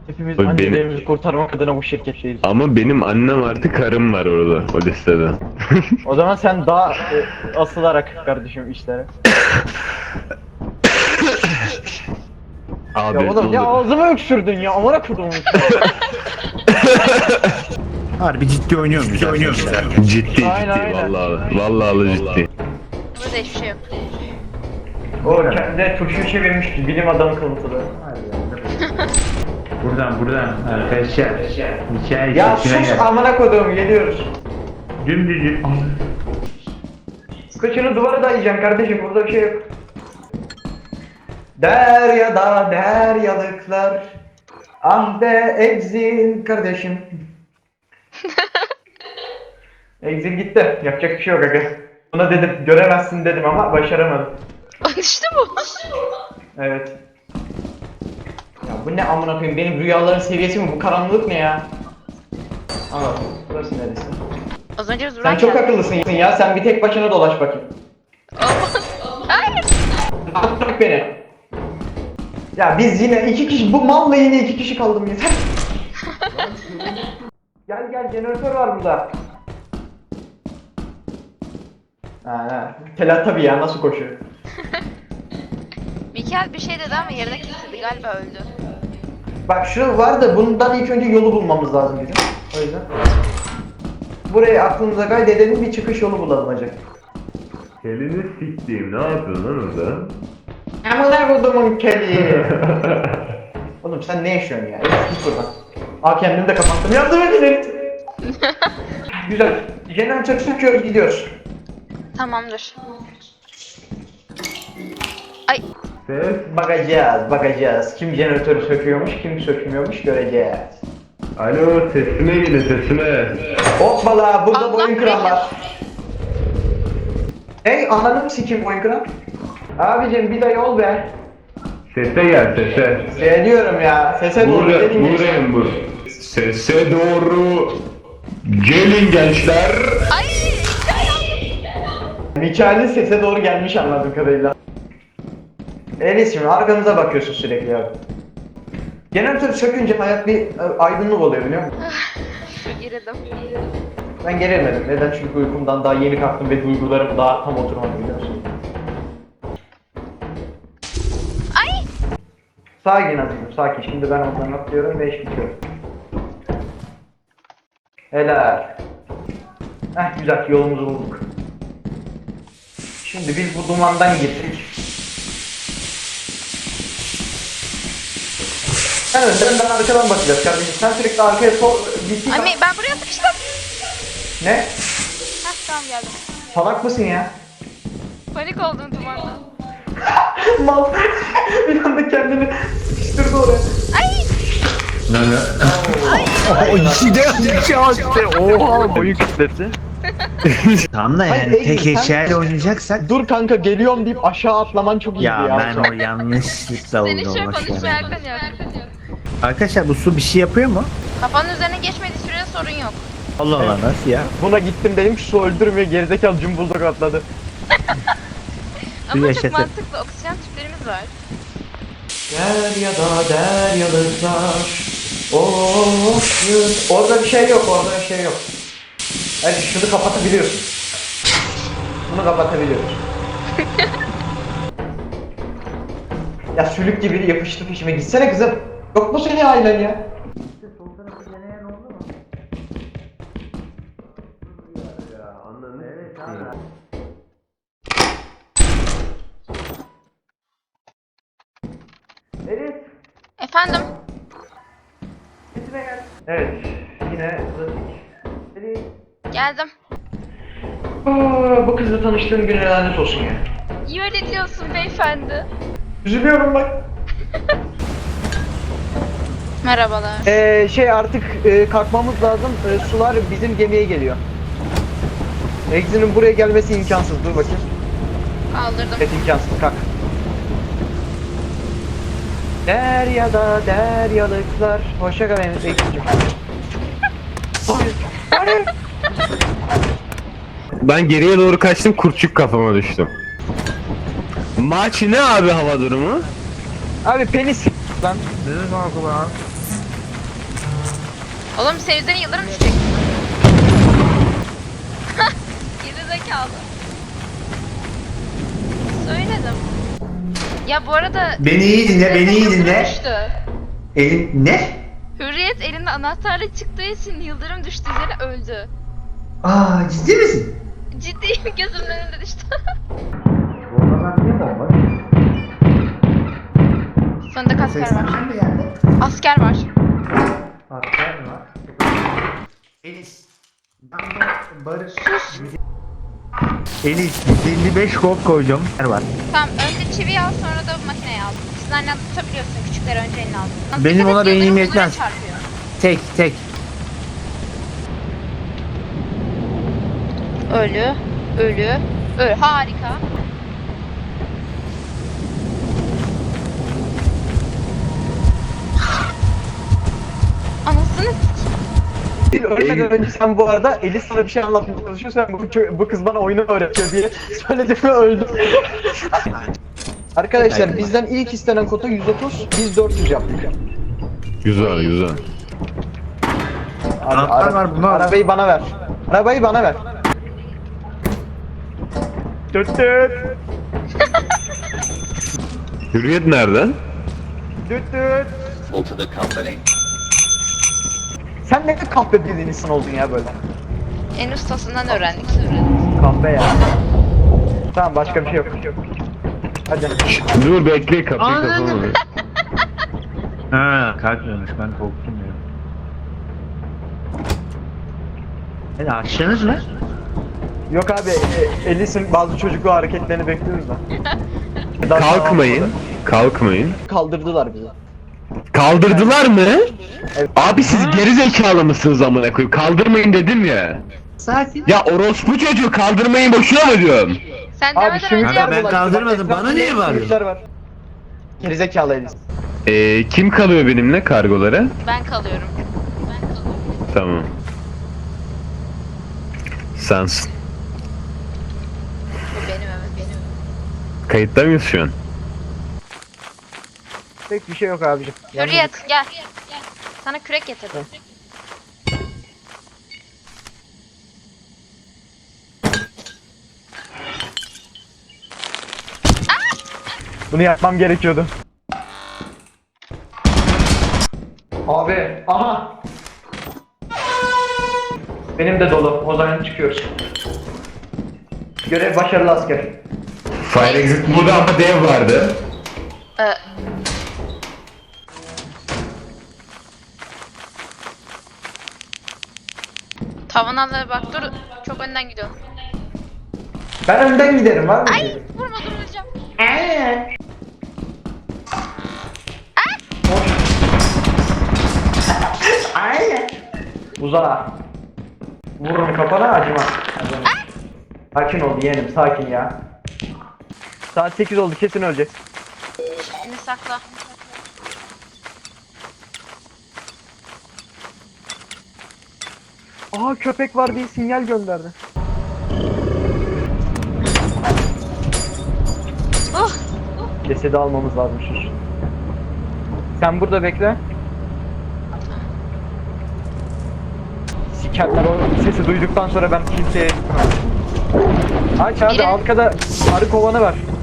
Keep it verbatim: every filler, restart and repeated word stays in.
Hepimiz Benim- annelerimizi kurtarmak adına bu şirketteyiz. Ama benim annem artı karım var orada o listede. O zaman sen daha e, asılarak kardeşim işlere. Abi Ya oğlum ne ya olur. ağzıma öksürdün ya amına kodumun. Harbi ciddi oynuyor muyuz? Ciddi oynuyor muyuz? Ciddi ciddi Aynen, aynen. vallahi vallahi ciddi. Burada hiçbir şey yok. O kendi turşuyu çevirmiş ki bilim adamı kılıfıdır. Buradan buradan arkadaşlar. Hikaye Ya içine sus gel. amına koduğum geliyoruz. Dümdüz. Kıçını duvara dayayacaksın kardeşim burada bir şey yok. Deryada deryalıklar. Ah be exil kardeşim. Exil gitti. Yapacak bir şey yok aga. Buna dedim göremezsin dedim ama başaramadım. İşte bu. Evet. Ya bu ne amına koyayım benim rüyaların seviyesi mi bu karanlık ne ya? Aa burası neresi? Az önce biz Sen buraya çok geldik. akıllısın ya sen bir tek başına dolaş bakayım. Hayır. Bırak beni. Ya biz yine iki kişi bu malla yine iki kişi kaldım yeter. Gel gel jeneratör var burada. Ha ha. Telat tabii ya nasıl koşuyor? Mikel bir şey dedi ama yerine kesildi galiba öldü. Bak şu var da bundan ilk önce yolu bulmamız lazım bizim. O yüzden. Burayı aklımıza kaydedelim bir çıkış yolu bulalım hacı. Kelini siktiğim ne yapıyorsun lan orada? Amına kodumun kedi. Oğlum sen ne yaşıyorsun ya? Git buradan. Aa kendimi de kapattım. Yardım edin. Güzel. Jeneratör söküyoruz gidiyoruz. Tamamdır. Ay Ses. Bakacağız, bakacağız. Kim jeneratörü söküyormuş, kim sökmüyormuş göreceğiz. Alo sesime gelin sesime. Hoppala, burada Allah boyun kıran bilir. var. Hey, ananı mı sikeyim boyun kıran? Abicim bir de yol be. Sese gel sese. Seviyorum ya, sese doğru Buraya, gelin buraya bu. Sese doğru. Gelin gençler. ay. Mikail'in sese doğru gelmiş anladığım kadarıyla. Elis şimdi arkamıza bakıyorsun sürekli ya. Jeneratörü sökünce hayat bir e, aydınlık oluyor biliyor musun? Girdim. Ben gerilmedim. Neden? Çünkü uykumdan daha yeni kalktım ve duygularım daha tam oturmadı biliyor musun? Ay. Sakin azizim, sakin. Şimdi ben oradan atlıyorum ve iş bitiyor. Helal. Heh güzel, yolumuzu bulduk. Şimdi biz bu dumandan gittik. Sen önden ben arkadan bakacağız kardeşim. Sen sürekli arkaya sol... Gittik. Ay ben buraya sıkıştım. Ne? Heh tamam geldim. Salak mısın ya? Panik oldum dumandan. Mal. Bir anda kendini sıkıştırdı oraya. Ay. Ne ne? O ikisi de Oha boyun kütlesi. Tamam da Hayır, yani Ege, tek sen- eşyayla oynayacaksak. Dur kanka geliyorum deyip aşağı atlaman çok iyiydi ya. Ya ben o yanlışlıkla Senin oldu şöyle ama şu konuşmaya an. hakkın yok. Arkadaşlar bu su bir şey yapıyor mu? Kafanın üzerine geçmediği sürece sorun yok. Allah Allah nasıl ya? Buna gittim dedim su öldürmüyor gerizekalı cumbuldog atladı. Ama yaşasın. çok mantıklı oksijen tüplerimiz var. Deryada deryalıklar. Of yüz. Orada bir şey yok, orada bir şey yok. Hadi şunu kapatabiliyorsun. Bunu kapatabiliyorsun. Ya sülük gibi yapıştı peşime gitsene kızım. Yok mu senin ailen ya? Elif, Efendim? gitme gel. Evet, yine trafik. Elif. Geldim. Aa, bu kızla tanıştığım gün lanet olsun ya. İyi öyle diyorsun beyefendi. Üzülüyorum bak. Merhabalar. Ee, şey artık e, kalkmamız lazım. E, sular bizim gemiye geliyor. Exe'nin buraya gelmesi imkansız. Dur bakayım. Kaldırdım. Evet imkansız. Kalk. Deryada deryalıklar. Hoşça kal benim Exe'cim. Hayır. Hayır. Ben geriye doğru kaçtım kurtçuk kafama düştüm. Maç ne abi hava durumu? Abi penis lan. Oğlum senin üzerine yıldırım düşecek. Geri zekalı. Söyledim. Ya bu arada... Beni iyi dinle, beni iyi Yıldırım dinle. düştü. Elin ne? Hürriyet elinde anahtarla çıktığı için yıldırım düştü üzerine öldü. Aa, ciddi misin? Ciddiyim, gözümün önünde düştü. Oradan niye bomba? Sonunda asker var. Şimdi geldi. Asker var. Asker mi var? Elis. Barış. Elis yüz elli beş gold koydum. Yer var. Tamam, önce çiviyi al, sonra da makineyi al. Siz annem tutabiliyorsun, küçükleri önce eline al. Ama Benim dikkat et, ona beynim yıldırım yetmez. bunlara çarpıyor. Tek tek. Ölü, ölü, ölü. Harika. Anasını s- Ölmeden önce sen bu arada Elis sana bir şey anlatmaya çalışıyor. Sen bu, kö- bu kız bana oyunu öğretiyor diye söyledim ve öldüm. Arkadaşlar bizden ilk istenen kota yüz otuz, biz dört yüz yaptık. Güzel güzel. Abi, Anahtar var, bunu al. Arabayı bana ver. Arabayı bana ver. Düt düt. Hürriyet nereden? Düt düt. Sen ne de kahpe bir insan oldun ya böyle. en ustasından öğrendik. Kahpe ya. Tamam, başka bir şey yok. Hadi. Dur bekle kapıyı Anladım. kapama. Ha kalkmıyormuş, ben korktum ya. Hadi açtınız mı? Yok abi, e, Elis'in bazı çocuklu hareketlerini bekliyoruz da. Daha Kalkmayın. Kalkmayın. Kaldırdılar bizi. Kaldırdılar mı? Evet. Abi siz geri zekalı mısınız amına koyayım? Kaldırmayın dedim ya. Sakin. Ya orospu çocuğu kaldırmayın boşuna mı diyorum? Sen Abi demeden şimdi önce Kanka ben kaldırmadım, bana niye var? Çocuklar var. Gerizekalı Elis. Ee, kim kalıyor benimle kargolara? ben kalıyorum. Ben kalıyorum. Tamam. Sensin. Bu benim, evet benim. Kayıtta mıyız şu an? Pek bir şey yok abicim. Hürriyet gel. Sana kürek getirdim. Bunu yapmam gerekiyordu. Abi, aha. Benim de dolu. O zaman çıkıyoruz. Görev başarılı asker. Fire exit burada ama dev vardı. Ee, Tavanalara bak, dur. Çok önden gidiyorsun. Ben önden giderim var mı? Ay, vurma, dur öleceğim. Aynen. Uzağa. Vururum kafana, acıma. Sakin ol yeğenim, sakin ya. Saat sekiz oldu, kesin öleceğiz. Şimdi sakla. Aha, köpek var diye sinyal gönderdi. Oh, Cesedi almamız lazım şu. Sen burada bekle. Sikerler, o sesi duyduktan sonra ben kimseye... Aç abi, Biri- arkada arı kovanı var.